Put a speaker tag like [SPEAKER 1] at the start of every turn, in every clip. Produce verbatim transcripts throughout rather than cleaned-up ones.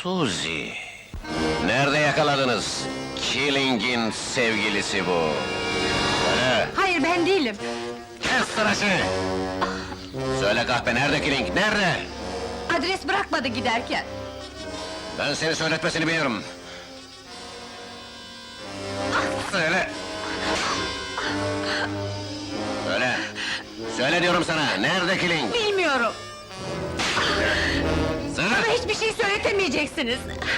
[SPEAKER 1] Suzy! Nerede yakaladınız? Killing'in sevgilisi bu! Söyle!
[SPEAKER 2] Hayır, ben değilim.
[SPEAKER 1] Kes sırası! Söyle kahpe, nerede Killing, nerede?
[SPEAKER 2] Adres bırakmadı giderken.
[SPEAKER 1] Ben seni söyletmesini biliyorum! Söyle! Söyle! Söyle diyorum sana, nerede Killing?
[SPEAKER 2] Bilmiyorum.
[SPEAKER 1] Söyle!
[SPEAKER 2] Bana hiçbir şey söyletemeyeceksiniz.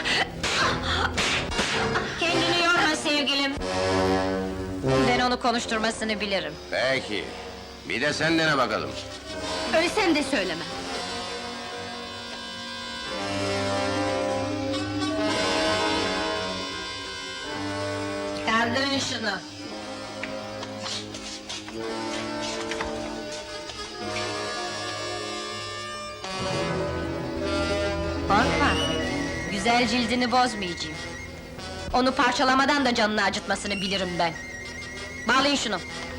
[SPEAKER 3] Kendini yorma sevgilim. Ben onu konuşturmasını bilirim.
[SPEAKER 1] Peki, bir de sen dene bakalım.
[SPEAKER 2] Ölsem de söylemem.
[SPEAKER 3] Kaldırın şunu. Korkma. Güzel cildini bozmayacağım. Onu parçalamadan da canını acıtmasını bilirim ben. Bağlayın şunu.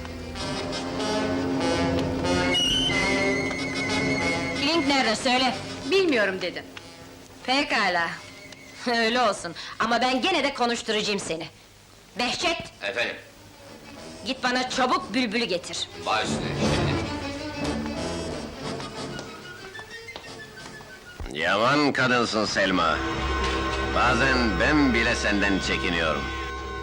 [SPEAKER 3] Killing nerede söyle.
[SPEAKER 2] Bilmiyorum dedim.
[SPEAKER 3] Pekala. Öyle olsun. Ama ben gene de konuşturacağım seni. Behçet,
[SPEAKER 1] Efendim,
[SPEAKER 3] git bana çabuk bülbülü getir.
[SPEAKER 1] baş üstüne Yaman kadınsın Selma. Bazen ben bile senden çekiniyorum.